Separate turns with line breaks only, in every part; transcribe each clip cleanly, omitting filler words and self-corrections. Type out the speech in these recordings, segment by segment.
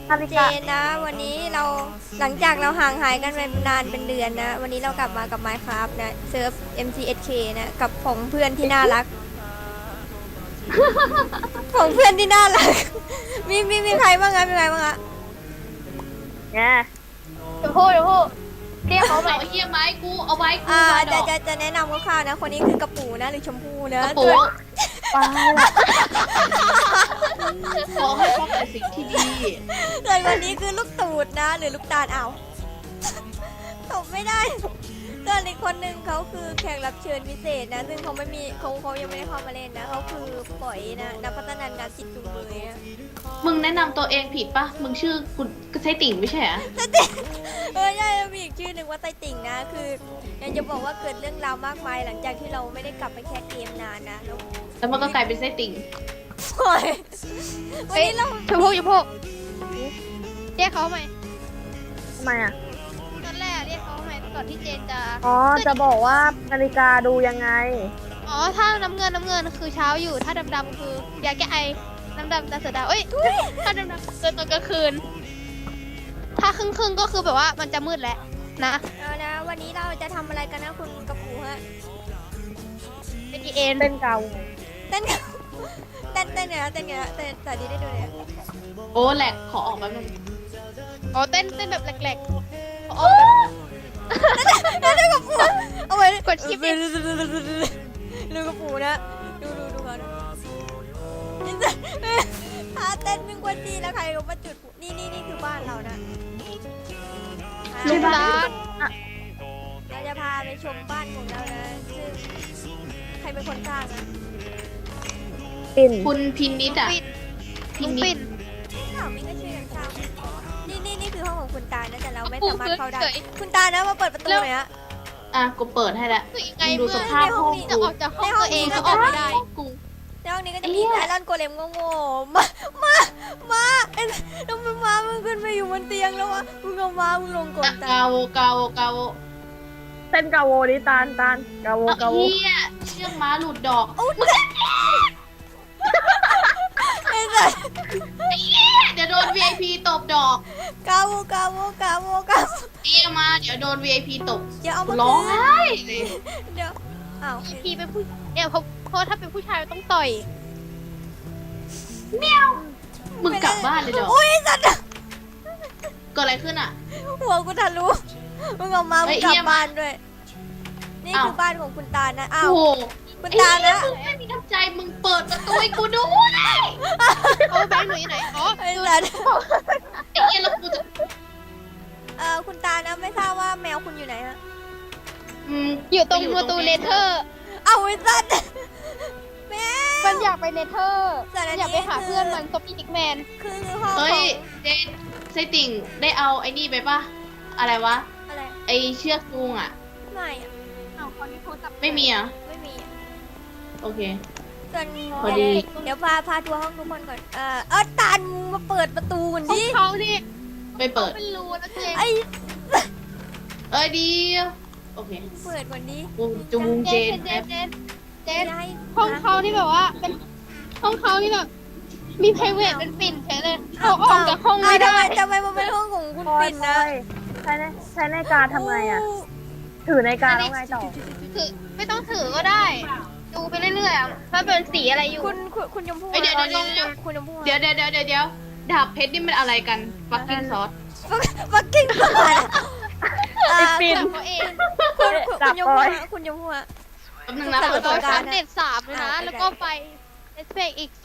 นาฬิ
เจ
กา
นนะวันนี้เราหลังจากเราห่างหายกันไปนานเป็นเดือนนะวันนี้เรากลับมากับ Minecraft นะเซิร์ฟ MCSK นะกับผองเพื่อนที่น่ารักผองเพื่อนที่น่ารักมีใครบ้างอะมีใครบ้างอะ
เนี่ย
เดี๋ยวพูดเรียกเขาใหม่
เอาไอ้เฮียไม้กูเอาไว้กูมาดอก
จะแนะนำคร่าวๆนะคนนี้คือกระปูนะหรือชมพู่นะ
กระปู
ป้า
ขอให้พบแต่สิ่งที่ดี
ส่วนคนนี้คือลูกตูดนะหรือลูกตาลเอาตบไม่ได้ส่วนอีกคนหนึ่งเขาคือแขกรับเชิญพิเศษนะซึ่งเขาไม่มีเขายังไม่ได้เข้ามาเล่นนะเขาคือปล่อยนะนักพัฒนาการจิตจุงเบยอะ
มึงแนะนำตัวเองผิดปะมึงชื่อคุณก็ใช่ติ่งไม่ใช่เหรอ
ใช่มีอีกชื่อหนึ่งว่าไตติ่งนะคืออยากจะบอกว่าเกิดเรื่องราวมากมายหลังจากที่เราไม่ได้กลับไปแคสเกมนานนะแล้ว
แล้วมันก็กลายเป็นไส้ติ่ง
ปล่อยวันนี้เรา
ชมพู่เรียกเขาใหม่
ทำไมอ่ะ
ตอนแรกเรียกเขาใหม่ก่อนที่เจนจะ
อ๋อจะบอกว่านาฬิกาดูยังไง
อ๋อถ้าน้ำเงินคือเช้าอยู่ถ้าดำคือยาแก้ไอน้ำดำตาเสือดาวเอ้ยถ้าดำเกินตอนกลางคืน ถ้าครึ่งก็คือแบบว่ามันจะมืดแล้วนะ
เอานะวันนี้เราจะทำอะไรกันนะคุณกระปูฮะ
เป็นเอ็น
เต้นเกา
เต้นกันเต้นเนี่ยเต้นเนี่ยเต้นสาธิตได้ดูเนี่ย
โอ้แหลกขอออกแป๊บนึง
อ๋อเต้นแบบแหลกๆอ๋อ
เต้นกระปูเอาไว้
กดชิป
ดูกระปูนะดูเขานะถ้าเต้นเป็นกวนจีแล้วใครก็มาจุดนี่คือบ้านเรานะ
ลูกตา
เราจะพาไปชมบ้านของเรานะซึ่งใครเป็นคนสร้างนะ
ปิ่น
คุณพินิดอ่ะ
ปิด
พิ
ลุง
นิ
ปิ
ด
ด
ข่าวมิ้งก็ช่วยกันสร้างนี่คือห้องของคุณตานะแต่เราไม่สามารถเข้าได้
เฉย
คุณตานะมาเปิดประตูหน่อยฮะ
อ่ะกูเปิดให้แล้ว
คือยังไง
มึงดู
เมื่
ส
อ
ภาพห้อง
จะ
กู
ออกจากห้องตัวเองก็ออกไม่ได้
กู
ในห้องนี้ก็จะมีไอรอนโกเลมโง่ๆมาเอ็นแล้วมึงขึ้นไปอยู่บนเตียงแล้ววะมึงเอามามึงลงก่อนตา
กาโวกาโวกาโว
เต้นเกาโวดิตาลเกาโว
เอา
เกาโว
เฮียเชือกม้าหลุดดอก
ไอ้สัส
เดี๋ยวโดน VIP ตบดอก
กาโว
เอียมาเดี๋ยวโดน VIP ตบ
อย่าเอามา
ร้องไห้เลย
เดี๋ยวอ้าว
พี่เป็นผู้เนี่ยเพราะถ้าเป็นผู้ชายต้องต่อย
มึงกลับบ้านเลยดอก
อุ้ยสัตว์
เกิดอะไรขึ้นอ่ะ
หัวกูทะลุมึงเอามา
เฮ้
มึง
ย
กลับ
เยี่ยม
บ้านด้วย นี่
อ้าว
คือบ้านของคุณตานะอ้าว
โอ้โห
คุณตานะ
มึงไม่มีน้ำใจมึงเปิดประตูให้กูด้วย
เขาแบงค์หนูอยู่ไหนอ๋อ
ไอ้สัตว์
ไอ้เหี้ยแล้วกูจะ
คุณตานะไม่ทราบว่าแมวคุณอยู่ไหนฮะ
อืม
อยู่ตรงประตูเนเธอร์
เอาไอ้สัตว์แม
มั
วน
อยากไปเนเธอร์
ส่วนอันนี้
อยากไปหาเพื่อนมันซอฟตี้ดิกแมน
คือห้องข
เฮ้
อย ง
เจนไส้ติ่งได้เอาไอ้นี่ไปปะอะไรวะ
อะไร
ไอเชือกจูงอ่ะ
ไม่อะ
เอาคนที่โทรศัพท์
ไม่มีอ่ะ
ไม่มีอะ
โอเค
ส่วน
พอดี
เดี๋ยวพาทัวร์ห้องทุกคนก่อนตาลมาเปิดประตูก่อน
ของ
ดิ
เขานี่
ไปเปิด
เป็นรูนะเจน
ไอ้
เอ้ยดีโอเค
เปิดก่อนดิ
กูจูงเจน
เจ
แอป
น
จะให้
ห้องเขาที่แบบว่าเป็นห้องเขาที่แบบมีไพรเวทเป็นปิ่นใช่เลยเขาออกจากห้องไม่ได้
ทำไมมันเป็นห้องของคุณ
พลอย
ปิ่น
พล
นะ
อยใช้นาฬิกาทำไงอ่ะ ถือนาฬิกาแล้วไงต่อ
คือไม่ต้องถือก็ได้ ดูไปเรื่อยๆอะว่าเป็นสีอะไรอยู่
คุณชมพู่
เอ้ยเดี๋ยว
คุณชมพู่
เดี๋ยวดาบเพชรนี่มันอะไรกันฟักกิ้งซอส
ฟักกิ้งก่อน
ไอ้ปิ่น
แบบเขาเอง
คุณชมพู่คุณชมพู่
แป๊บนึงนะ
จับ
เปิด
ตัว
เปิด
กา
อั
ร
ปเดต3เลยนะ แล้วก็ไปเอสเปกอีก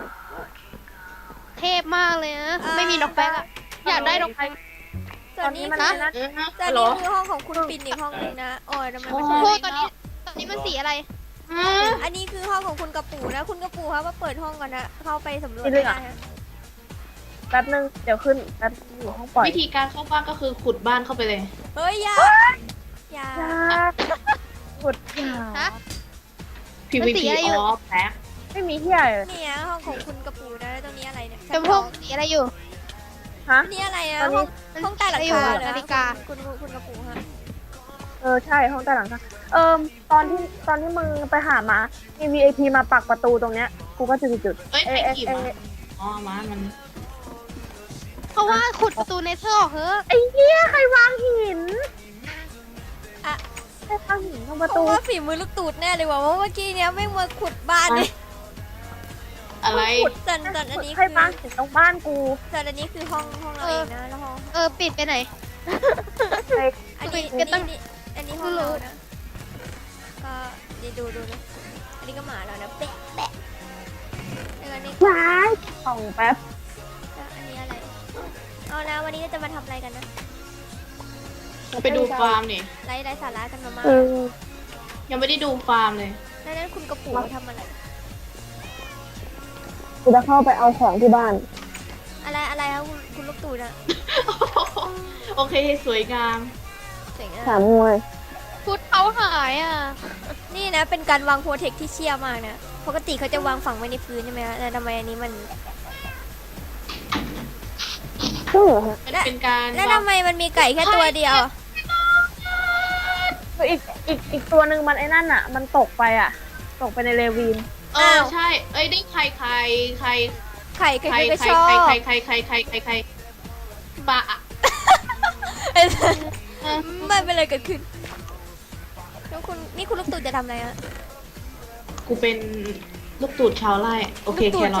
2เทพมากเลยนะ ไม่มีนกแป๊กอะอยากได้นกแป๊ก
ส่วนนี้
มัน
นะ
นะ
ส่วนนี้คือห้องของคุณปิ่นอีกห้องหนึ่งนะโอ้ยทำไมมัน
โอ้
ใช่
ตอนนี้มันสีอะไร
อันนี้คือห้องของคุณกระปูนะ คุณกระปูครับมาเปิดห้องก่อนนะ เข้าไปสำรวจได้ฮะ
แป๊บนึงเดี๋ยวขึ้นแป๊บอยู่ห้องปล่อย
วิธีการเข้าบ้านก็คือขุดบ้านเข้าไปเลย
เฮ้ยอย่าอย่า
ขุดหา
ฮะ
PVP
สีอะไรอยู่
ออฟแพ็ค
ไม่มีที่ไหนเลย
เนี่ยห้องของคุณกระปูนะแล้วตรงนี้อะไรเนี่ย
จมพงสีอะไรอยู่
ฮะ
นี่อะไรอะ
ตอนนี้
ห้องใต้หลังคาเหรอ
นาฬิกา
คุณกระปูฮะ
ใช่ห้องใต้หลังคาตอนที่มึงไปหามามี VIP มาปักประตูตรงเนี้ยกูก็จุด
เอ้ย
เอ๊ะ
ใคร
เอ๊ะ
ขี่
เอ๊ะ
มาอ๋อมามัน
เขาว่าขุดประตูเนเธอร์ออกเถอะ
ไอ้เหี้ยใครวางหิน
อะ
ใครวางหินตรงประ
เพ
ตู
ราะว่าฝีมือลูกตูดแน่เลยว่ะเพราะเมื่อกี้เนี้ยแม่งมาขุดบ้านนี่
อะไร
ส่วนอันนี้
ใคร
คือ
วางหินตรงบ้านกู
ส่วนอันนี้คือห้องเราเองนะแล้วห้อง
ปิดไปไหน
ใคร
อันนี้
ก็ต้อง
อันนี้ห้องเรานะก็ดูนะอันนี้ก็หมาเรานะแปะแปะแล้วอันนี้ก็
ว้ายส่องแป๊บ
อันนี้อะไรเอาแล้ววันนี้เราจะมาทำอะไรกันนะ
ไปดูฟาร์มนี่
ไร้สาระกันมาก
เออ
ยังไม่ได้ดูฟาร์มเลย
ๆแล้วนั้นคุณกระปูทำอะไร
กูจะเข้าไปเอาของที่บ้าน
อะไรครับคุณลูกตูดอะ
โอเคสวยงาม
เจ๋งอะ
ถามมวย
พุทเขาหายอ่ะ
นี่นะเป็นการวางโปรเทคที่เชี่ยมากนะปกติเขาจะวางฝังไว้ในพื้นใช่ไหมคะแต่ทำไมอันนี้มัน
ซึ่งเหรอฮะ
มันเป็นการ
แล้วทำไมมันมีไก่แค่ตัวเดียวอะ
คืออีกตัวหนึ่งมันไอ้นั่นอ่ะ มันตกไปอ่ะ ตกไปในเรวีน
ใช่ เอ้ยได้ไข่ไข่ไข่
ไข่
ไข่
ไก่
ไข่
ก็ชอบ
ไข่ไข่ไข่ไข่ไข่ไข่ไข่ปลาอะ
ไม่เป็นไรเกิดขึ้นแล้วคุณนี่คุณลูกตูดจะทำอะไรอะ
กูเป็นลูกตูดชาวไร่โอเค
ลูกตู
แค
ด
รอท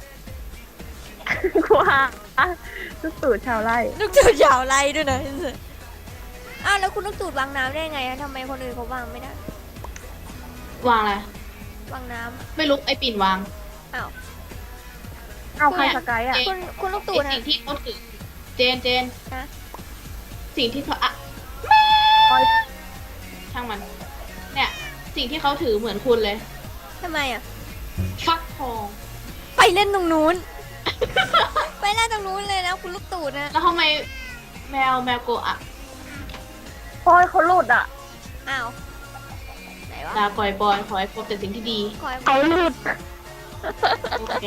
กูว่าลูกตู่ชาวไร่
ลูกตูดยาวไรด้วยนะอ้าวแล้วคุณลูกตูดวางน้ำได้ไงอะทำไมคนอื่นเขาวางไม่ได้
วางอะไร
วางน้
ไม่รู้ไอปิ่นวาง
ำอ้าว
เอาใครสกายอ่ะ
คุณลูกตู
ไอ
ดนะ
สิ่งที่เขาถือเจน
นะ
สิ่งที่เขาอะ
คอย
ช่างมัน เนี่ยสิ่งที่เขาถือเหมือนคุณเลย
ทำไมอะ
ฟักทอง
ไปเล่นตรงนู้น ไปเล่นตรงนู้นเลยนะคุณลูกตูดนะ
แล้วทำไมแมวโกะอะ
คอยเขาหลุดอ่ะ
อ้าวไหนวะ
ลาก่อยบอยขอให้พบแต่สิ่งที่ดี
คอย
เขาหลุด
โอเค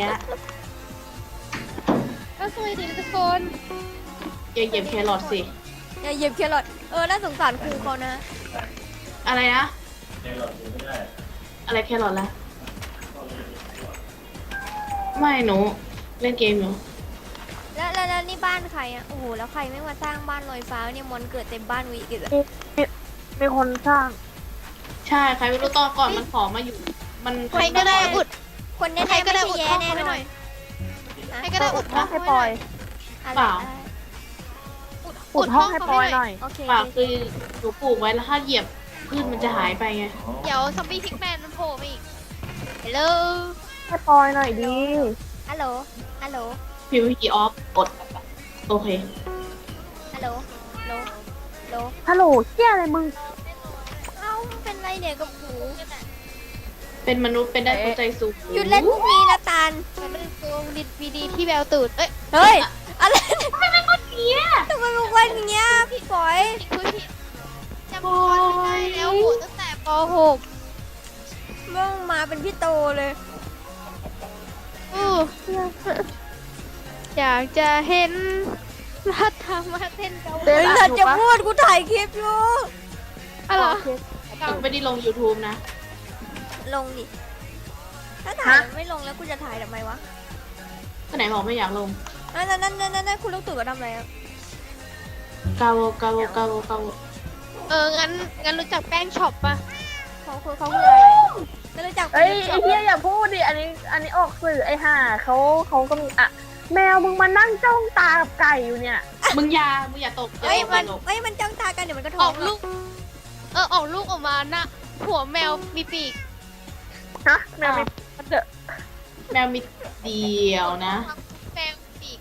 ก็สวยดีทุกคน
อย่าเหยียบแครอทสิ
อย่าเหยียบแครอทน่าสงสารครูเขานะ
อะไรนะอะไรแครอทละไม่หนูเล่นเกมอยู่
แล้วนี่บ้านใครอ่ะ โอ้โห แล้วใครไม่มาสร้างบ้านลอยฟ้าเนี่ยมอนเกิดเต็มบ้านวิกิตอะ
มีคนสร้าง
ใช่ใครไม่รู้ตอนก่อนมันขอมาอยู่ มัน
ใครก็ได้อุด
คนแน่
ใคร
ๆ
ก็
ไม่
ได้
ใช่
อุด
แย่
ห้อง
แน่
ไว้
น
ห
อ
น่
น
อย ใครก็ได้อุดห้อง
ให้
ไว้
ป
ห
ล่
น่
อ
อย ย
อะไร
เปล่า
อุดห้องให้ปอยหน่อย
โอเค
เปล่าคือหนูปลูกไว้แล้วถ้าเหยียบพืชมันจะหายไปไง
เดี๋ยวซอมบี้พิกแมนมันโผล่มาอีกฮัลโหล
ให้ปอยหน่อยดี
ฮัลโหล ฮัลโหล
PVP off กดโอเค
ฮัลโหลฮัลโหลฮัลโหล
ฮัลโหลเชี่ยอะไรมึง
เอ้าเป็นไรเนี่ยกับหู
เป็นมนุษย์เป็นได้ตัวใจสูง
หยุดเล่นพวกนี้นะตาล
มันเป็นโกงดิดวีดีที่แววตูด เอ้ย
เฮ้ย อะไรทำไมเป็นคนเงี้ยทำไมเป็นคนอย่างเงี้ยพี่ฝอย
ผิดผิดจำคนไม่ได้แล้วโหตั้งแต่ป .6
มึงมาเป็นพี่โตเลย
อยากจะเห็นรัฐมาเต้นเกาห
เต้
ลี
น
เฮ้ยจะพูดกูถ่ายคลิปอยู่
อะไร
ไม่ได้ลง YouTube นะ
ลงดิ ถ้าถ่ายมันไม่ลงแล้วกูจะถ่ายทำไมวะ
ก็ไหนบอกไม่อยากลง
นั่นคุณลูกตู่ก็ทำอะไรอ่ะ
กาโว
งั้นรู้จักแป้งช็อปปะ
เขาคืออะไรไม่รู้จัก
เอ้ยไอ้เหี้ยอย่าพูดดิ อันนี้ออกสื่อไอ้ห่าเขาก็มีอ่ะ แมวมึงมานั่งจ้องตากับไก่อยู่เนี่ย
มึงอย่าตกอย่า
เอ้ย
ตก
มัน
อย่าตก
เอ้ยมันจ้องตากันเดี๋ยวมันก็
อ
ท้อ
อง กลูก ออกลูกออกมานะหัวแมวมีปีก
ฮะ แมวมีมันเดอะ
แมวมีเดียวนะ
แมวมีปีก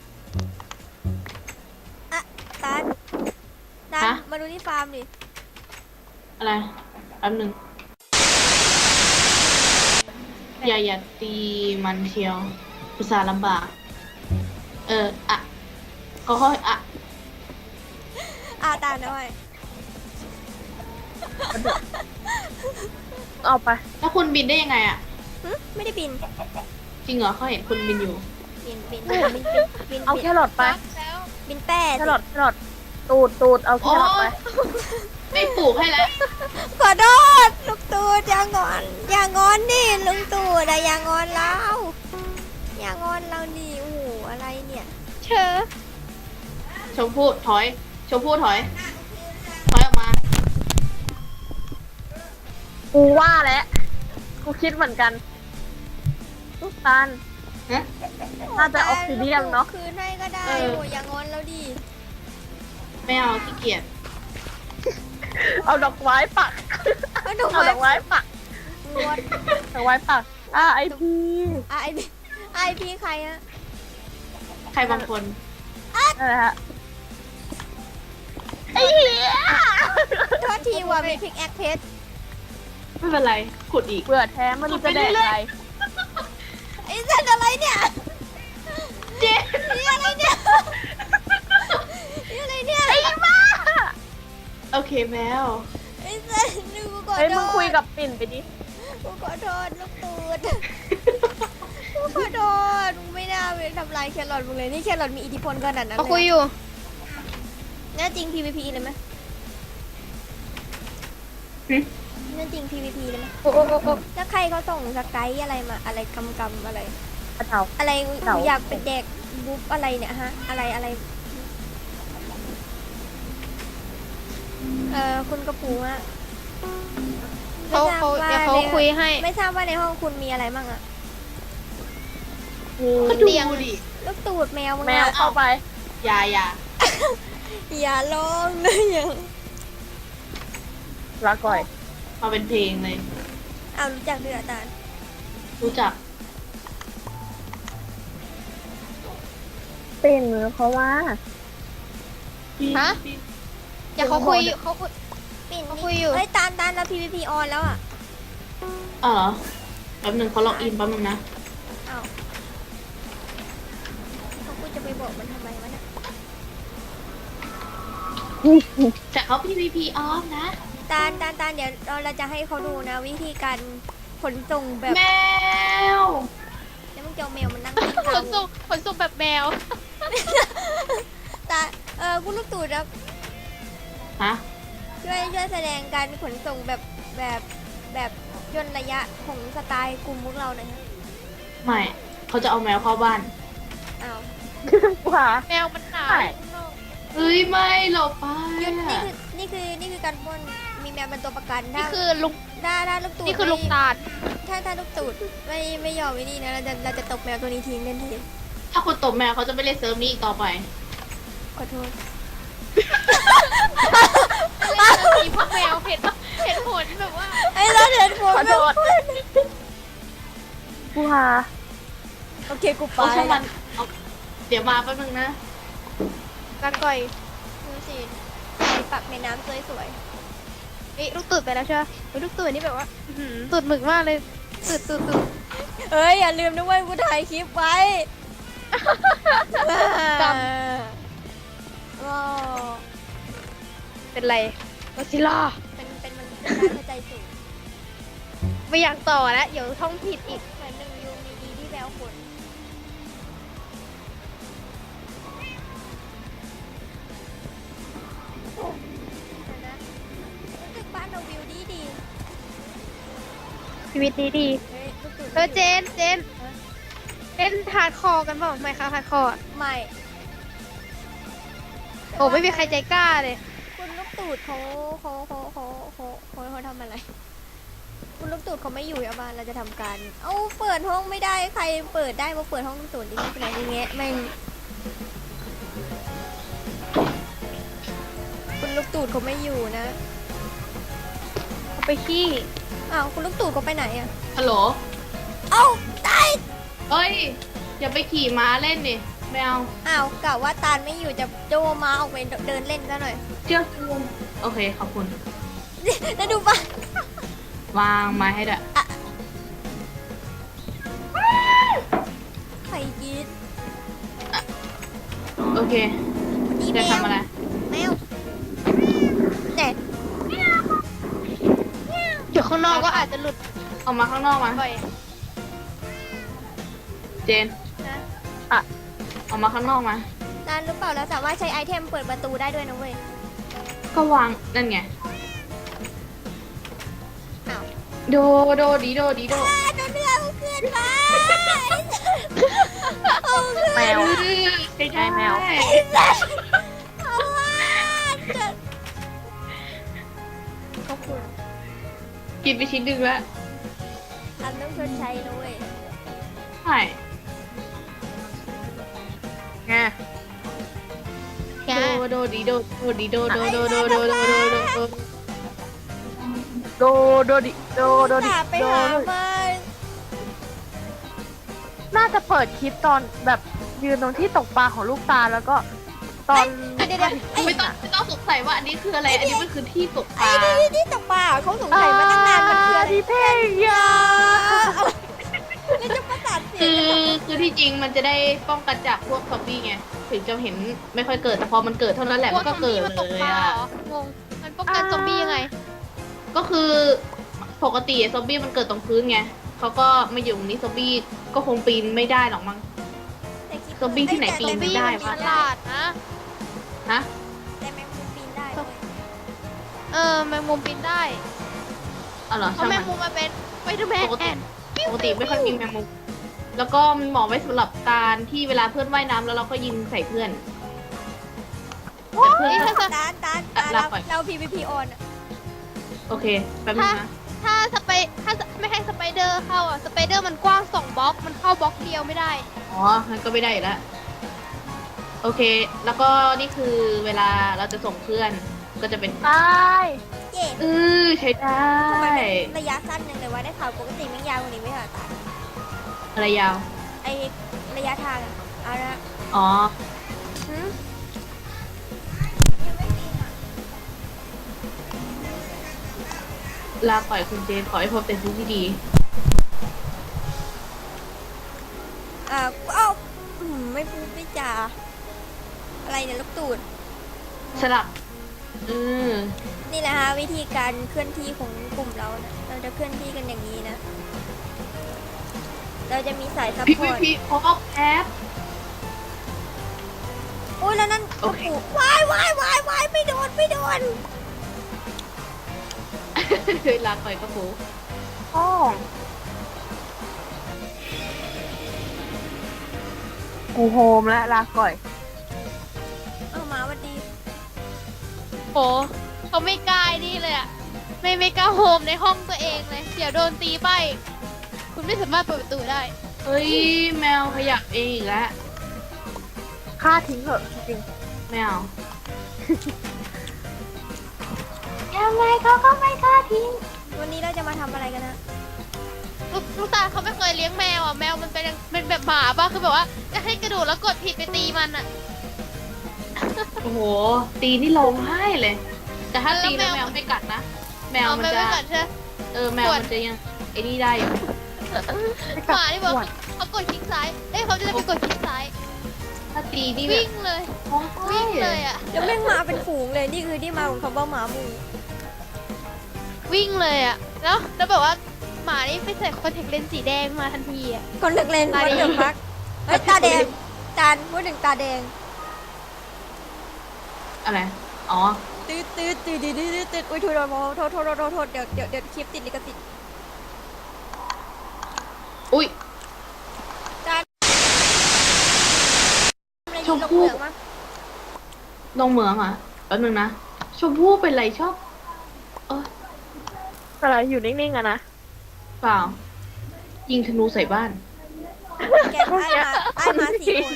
ตาล
ฮะ
มาดูที่ฟาร์มดิ
อะไรแป๊บหนึงอย่าตีมันเชียวอุตส่าห์ลำบากก็ค่อย
ตาลเอาไว้
เอาไป
แล้วคุณบินได้ยังไงอะ
ไม่ได้บิน
จริงเหรอเขาเห็นคุณบินอยู่
บิน
เอาแครอทไป
แล้ว
บินแป้
แครอทตูด เอาแครอทไป
ไม่ปลูกให้แล้ว
ขอโทษลูกตู่อย่างอนดิลุงตู่แต่อย่างอนเราดิโอ้โหอะไรเนี่ย
เชอ
ชมพู่ถอย ชมพู่ถอย ถอยออกมา
กูว่าแล้วกูคิดเหมือนกันลูกตาล
ฮะ
น่าจะออกซิเดียมเนาะ
คืนให้ก็ได้
เออ
โอ้ยอย่างงอนแล้วดิ
ไม่เอาขี้เกียจ
เอาดอกไม้ปัก
เอาดอก
เอาดอกไม้ปัก
งวด
ดอกไม้ปักไอพี
ไอพีใครอะ
ใครบางคน
นั่นแหละฮะไอ้เหี้ย
โทษทีว่ามีพิกแอคเพชร
ไม่เป็นไร ขุดอีก
เบื่อแท้ไมันจะแดกอะไร
ไอ้เส้นอะไรเนี่ย
เจ๊
นี่อะไรเนี่ยนี่อะไรเนี่ย
ไอ้บ้า
โอเคแมว
ไอ้เส้นนึกกูขอ
เฮ้ย
โท
มึงคุย
ษ
กับปิ่นไปดิ
กูขอโทษลูกตูดกูขอโทษมึงไม่น่าไปทำลายแครอทมึงเลยนี่แครอทมีอิทธิพลขนาดนั้น
เขา
เลย
คุยอยู่
น่าจริง PVP เลยไหม
หึ
น่าจริง PVP เลยไหม
โอ้โอ้โอ้โอ้
แล้วใครเขาส่งสไกด์อะไรมาอะไรกำอะไร
กระเทา
อะไร
เต่า
อยากเป็นเด็กบุ๊บอะไรเนี่ยฮะอะไรคุณกระปูอะ
เขาเดี๋ยวเขาคุยให้
ไม่ทราบว่าในห้องคุณมีอะไรบ้างอะ
มี
ก็ดู
เตียง
ดิ
ลูกตูดแมวมึง
แมว
อะ
เข้าไป
อย่า
อย่าร้องนะอย่าง
ลาก่อย
มาเป็นเพลงเลย
เอารู้จักด้วยเหรออาจารย์
รู้จัก
ปิ่นเขาว่า
ฮะ เดี๋ยวเขาคุยเขาคุย
ปิ่น
เขาคุยอยู่
เฮ้ยตานแล้ว PVP ออนแล้วอะ
อ๋อเหรอแป๊บหนึ่งเขาล็อกอินแป๊บหนึงนะ
อ้าวเขากูจะไปบอกมันทำไมวะเนี่ย
แต่เขา PVP off นะ
ตานเดี๋ยวเราจะให้เขาดูนะวิธีการขนส่งแบบ
แมว
แล้วมึงจะเอาแมวมันนั่ง
ขนส่งแบบแมว
ตาคุณลูกตูดครับ
ฮะ
ช่วยแสดงการขนส่งแบบย่นระยะของสไตล์กลุ่มพวกเราหน่อยฮะ
ไม่ เขาจะเอาแมวเข้าบ้าน
อ้าว
ว่า
แมวมันหนาว
ใช่
เฮ้ย ไม่หลบไป
หยุดนี่คือการปล้นมีแมวเป็นตัวประกัน
นี่
ถ้า
คือลุง
ถ้าลูกตูด
นี่คือลุงตาล
ถ้าลูกตูดไม่ยอมไว้นี่นะเราจะตบแมวตัวนี้ทิ้งทันที
ถ้าคุณตบแมวเขาจะไม่เล่นเซิร์ฟนี้อีกต่อไป
ขอโทษ
มีพวกแมวเห็นผลแบบว่า
ไอ้เราเห็นผม
ขอโทษกูว่า
โอเคกูไป
เอาช่างมันเอาเดี๋ยวมาแป๊บนึงนะ
กันก่อย
ดูสิปักในน้ำสวย
นี่ลูกตื่นไปแล้วใช่ไหมเฮ้ยลูกตื่นนี่แบบว่าอื้อหือตื่นหมึกมากเลยตื่น
ๆเอ้ยอย่าลืมนะเว้ยกูถ่ายคลิปไว้
กรรม
ว้าว
เป็นไรก็ซิล่า
เป็นมันเข้าใจสูง
ไม่อยากต่อแล้วเดี๋ยวท่องผิดอีก
เหมือนหนึ่งยูมีดีที่แววขนนะรู้สึกบ้านเราวิวดี
ชีวิตดีดี
เฮ้ยลูกตูด
เจนเล่นฮาร์ดคอร์กันเปล่าไม่คะฮาร์ดคอร์
ไม่
โอ้ไม่มีใครใจกล้าเลย
คุณลูกตูดเขาทำอะไร คุณลูกตูดเขาไม่อยู่อะบ้านเราจะทำการ เอ้าเปิดห้องไม่ได้ใครเปิดได้มาเปิดห้องลูกตูดดิไม่เป็นไรดิแงะแม่งคุณลูกตูดเขาไม่อยู่นะ
เขาไปขี้
อ้าวคุณลูกตูดเขาไปไหนอะ
ฮัลโหล
เอ้าตาย
เฮ้ย อย่าไปขี่ม้าเล่นดิแมว
อ้าวกะว่าตาลไม่อยู่จะโจมาออกไปเดินเล่นซะหน่อย
เชื่อกูโอเค ขอบคุณ
แล้วดูปะ
วางไม้ให้ด้วย
ใครกิน
โอเค
นี่แม
จะ
ว
ทำอะไร
แมวเด็ด
อยู่ข้างนอกก็อาจจะหลุด
ออกมาข้างนอกมา
บ่อย
เจน
นะ
ออกมาข้างนอกมา
ตาลรู้เปล่าเราสามารถใช้ไอเทมเปิดประตูได้ด้วยนะเว้ย
ก็วาง นั่นไง
อ้าว
โดดีโด
ตัวเนื้อเอาขึ้นมาเอาขึ้น
แมว
ใช่
ใช่แมว
ไอ้สัส
กินไปชิ้นหนึ่งแล้ว
อันต้องชดใช้นะเว้ย
ใช่
ไง
แก
โดดีโดดีโดโดโดโดโดโดโดโด
โดดิโดดิ
ตาไป
โด
หา
ดิ
มา
น่าจะเปิดคลิปตอนแบบยืนตรงที่ตกปลาของลูกตาแล้วก็ตอน
เดี๋ยว
ไม่ต้องสงสัยว่าอันนี้คืออะไร อันนี้มันคือที่ตกป
ไอ้
ลา
ที่ตกปลาเขาสงสัยมาตั้งนานมันคืออะไร
ที่เพลงยา
แล้วจะประสานเสีย
คื
ง
คือที่จริงมันจะได้ป้องกันจากพวกซอมบี้ไง ถึงจะเห็นไม่ค่อยเกิด แต่พอมันเกิดเท่านั้นแหละมันก็เกิด
มัน
เล
ตก
ย
ปลา
อ่ะ
เหรองงมันป้องกันซอมบี้ยังไง
ก็คือปกติซอมบี้มันเกิดตรงพื้นไงเขาก็มาอยู่ตรงนี้ซอมบี้ก็คงปีนไม่ได้หรอกมั้ง ซอมบี้ที่ไหนปีนไม่ได้
ซอมบี้มันฉลาดนะ
ฮะ
แต่แมงมุมปีนได้เว้ย
แมงมุมปีนได้
อ๋อเหรอ
เพราะ
ช่าง
แม
มั
ง
น
มุมมาเป็นไปเดอร์แม
ปกติ
น
ปกติไม่ค่อยมีแมงมุมแล้วก็มันเหมาะไว้สำหรับการที่เวลาเพื่อนว่ายน้ำแล้วเราก็ยิงใส่เพื่อนแต่เพื่อน
นี่
ก็
ถ้า
เรา
ปล่อย
เรา PVP on อะ
โอเคแป๊บนึงนะ
ถ้าไม่ให้สไปเดอร์เข้าอ่ะสไปเดอร์มันกว้าง2บล็อกมันเข้าบล็อกเดียวไม่ได้
อ๋องั้นก็ไม่ได้อีกแล้วโอเค แล้วก็นี่คือเวลาเราจะส่งเพื่อนก็จะเป็น
ตาย
เย่
ใช้ได้
ทำไมเป็นระยะสั้นยังเลยว่าได้ข่าวปกติมันยาวกว่านี้ไม่ใช่เหรอตา
อะไรยาว
ไอระยะทางอะเอาละ
อ๋อ
หืม
ลาปล่อยคุณเจนขอให้พบแต่สิ่งที่ดี
เอ้าไม่พูดไม่จาอะไรเนี่ยลูกตูด
สลับม
นี่แหละฮะวิธีการเคลื่อนที่ของกลุ่มเรานะเราจะเคลื่อนที่กันอย่างนี้นะ เราจะมีสายซัพ
พี่
พอร์ต
พี่พอกแอป
โอ้ยแล้วนั่น
โอเค
กระปุกวายไม่โดน
ลาปล่อยกระปู
พ่อกูโฮมแล้วลาก่อย
เอามาวันดี
โหเขาไม่กล้าไอ้นี่เลยอ่ะไม่กล้าโฮมในห้องตัวเองเลยเดี๋ยวโดนตีไปคุณไม่สามารถเปิดประตูได้
เฮ้ยแมวขยับเองอีกแล้ว
ฆ่าทิ้งเถอะจริง
แมวยังไงเขาก็ไม่กล้าทิ้ง
วันนี้เราจะมาทำอะไรกันนะ
ลูกตาเขาไม่เคยเลี้ยงแมวอ่ะแมวมันเป็นแบบหมาป่ะคือแบบว่าจะให้กระโดดแล้วกดผิดไปตีมันอ่ะ
โอ้โห ตีนี่ร้องไห้เลย แต่ถ้าตีแล้ว
แล้ว
แม
แม
ว
ว
ไม่กัดนะ แมวมัน
เอา
จะ
ไม่กัดใช่ไหม
แมวมันจะยังไอ้นี่ได้อยู่
หมาที่บอกเขากดคลิกซ้ายเอ้ยเขาจะไปกดคลิกซ้าย
ถ้าตีนี่แบ
วิ่
บ
งเลย
ร้องไห้
วิ่งเลยอ่ะ
แล้วแม่งมาเป็นฝูงเลยนี่คือที่มาของคำว่าหมาหมู่
วิ่งเลยอ่ะแล้วแบบว่าหมานี่ไปใส่คอนแทคเลนส์สีแดงมาทันทีอ่ะ
คนเลือกเลน
ตา
วั
แด
น
ง
เดือดพักเฮ้ยตาแดงจานพูดถึงตาแดง
อะไร อ๋อ
ตืดอุ้ยโทษเดี๋ยวคลิปติดลิขสิทธิ์
อุ้ย
จานอะไร
ช
ดี
ม
ลง
พู่
เหลืองมา
ลงเหมืองอ่ะแป๊บนึงนะ ชมพู่เป็นไรชอบ
อะไรอยู่นิ่งๆอะนะ
เปล่า ยิงธนูใส่บ้าน
แกไอ้มา4 คน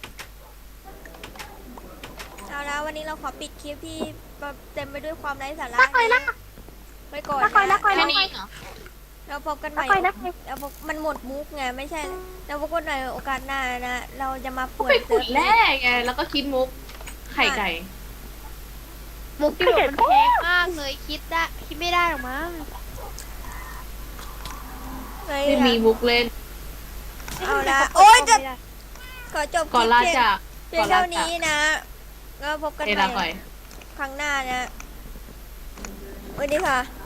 เอาละวันนี้เราขอปิดคลิปที่เต็มไปด้วยความไร้สาระนี้ไว้ก่อน
นักคอย
นะ
แค่นี้เหรอ
เราพบกันใหม่
นักคอย
เราพบมันหมดมุกไงไม่ใช่เราพบกันใหม่โอกาสหน้านะ เราจะมา
ก็
เปิ
ไป
ด
ขุดแร่ไง แล้วก็คิดมุก ไข่ไก่
มุกที่แบบมันแพงมากเลยคิดไม่ได้หรอกมั้ง
เฮ้ย
ไม่มีมุกเล่น
เอาละโอ๊ยจะขอจบค
ก่อน
ลิป
ลา
เพียง
จาก
เพียงเท่านี้นะก็พบกัน
เอ
ให
ลา
ม่
ก่อย
ครั้งหน้านะสวัสดีค่ะ